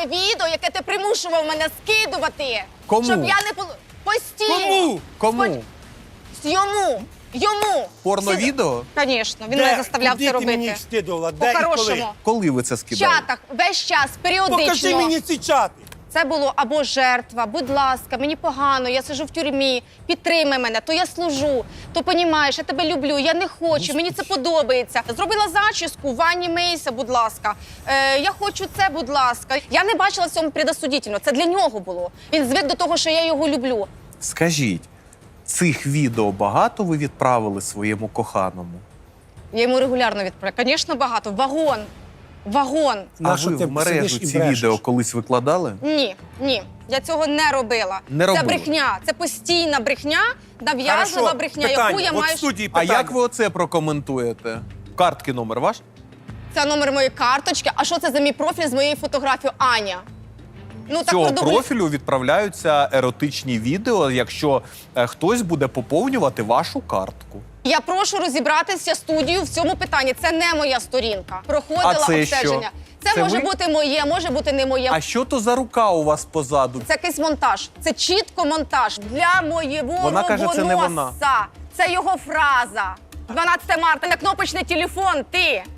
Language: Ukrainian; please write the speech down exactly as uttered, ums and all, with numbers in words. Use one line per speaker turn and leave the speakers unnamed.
те відео, яке ти примушував мене скидувати.
Кому?
Щоб я не... пол- Постійно.
Кому? Кому?
Йому. Йому.
Порно-відео?
Звісно, він мене заставляв
Куди
це
ти
робити.
мені їх скидувала? Де і коли?
По-хорошому.
Коли ви це
В
скидали?
чатах, весь час, періодично.
Покажи мені ці чати.
Це було або жертва, будь ласка, мені погано, я сиджу в тюрмі, підтримай мене, то я служу, то понімаєш, я тебе люблю, я не хочу, мені це подобається. Зробила зачіску в ванні Мейса, будь ласка. Е, я хочу це, будь ласка. Я не бачила в цьому предосудительно, це для нього було. Він звик до того, що я його люблю.
Скажіть, цих відео багато ви відправили своєму коханому?
Я йому регулярно відправляю. Звісно, багато. Вагон. Вагон.
А
На що
ви
ти
в мережу
сидиш і
ці
брешеш?
відео колись викладали?
Ні, ні. Я цього не робила.
Не
це
робили?
брехня. Це постійна брехня, нав'язлива
Хорошо,
брехня,
питання.
яку я
От
маю.
в студії
А
питання.
як ви оце прокоментуєте? Картки номер ваш?
Це номер моєї карточки. А що це за мій профіль з моєю фотографією Аня? Ну,
З цього
продублю-
профілю відправляються еротичні відео, якщо е, хтось буде поповнювати вашу картку.
Я прошу розібратися студію в цьому питанні. Це не моя сторінка. Проходила
А це
обстеження.
що?
Це,
Це
може
ви?
бути моє, може бути не моє.
А що то за рука у вас позаду?
Це якийсь монтаж. Це чітко монтаж для моєго
Вона каже, це не вона.
робоноса. Це його фраза. дванадцяте марта, на кнопочний телефон, ти.